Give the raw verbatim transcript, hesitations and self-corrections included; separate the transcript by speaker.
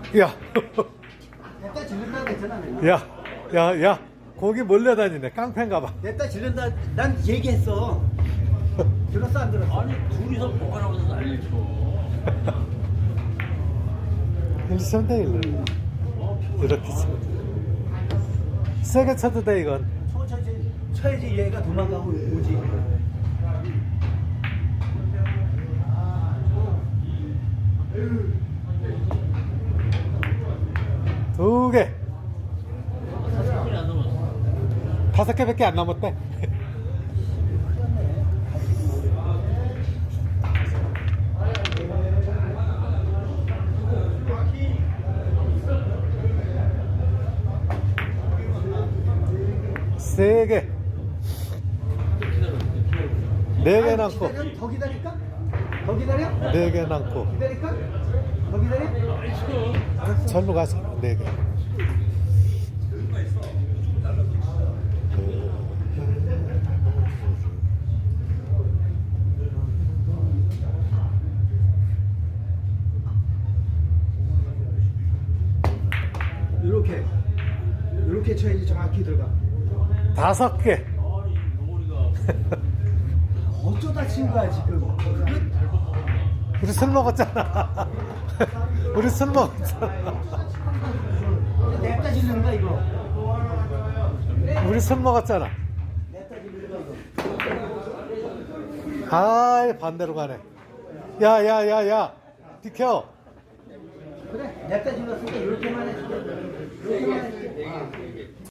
Speaker 1: 야,
Speaker 2: 냅다 질른다 그랬잖아.
Speaker 1: 야, 야, 야, 거기 몰려다니네. 깡패인가 봐.
Speaker 2: 냅다 질른다. 난 얘기했어. 들었어 안 들었어?
Speaker 3: 아니 둘이서 보관하면서 난리 쳐.
Speaker 1: 일치면 돼, 일로. 이렇게 치면 돼. 세게 쳐도 돼, 이건.
Speaker 2: 천천히 쳐야지 얘가 도망가고 오지.
Speaker 1: 두 개.
Speaker 3: 다섯 개안 넘었어.
Speaker 1: 다섯 개밖에 안 남았대. 세 개. 네 개
Speaker 2: 아니,
Speaker 1: 남고.
Speaker 2: 기다려? 더 기다릴까? 더 기다려?
Speaker 1: 네 개 남고.
Speaker 2: 기다릴까? 더 기다려?
Speaker 1: 절로 가서 네 개.
Speaker 2: 이렇게 이렇게 쳐야지 정확히 들어가.
Speaker 1: 다섯 개.
Speaker 3: 아니 노머리가
Speaker 2: 어쩌다 친 거야 지금?
Speaker 1: 우리 술 먹었잖아. 우리 술 먹었잖아.
Speaker 2: 냅다 질르는 거야 이거.
Speaker 1: 우리 술 먹었잖아.
Speaker 2: 냅다 질르는 거야 이거.
Speaker 1: 아이, 반대로 가네. 야, 야, 야, 야. 비켜.
Speaker 2: 그래 냅다 질렀으니까 이렇게만 해줄게. 이렇게만 해줄게.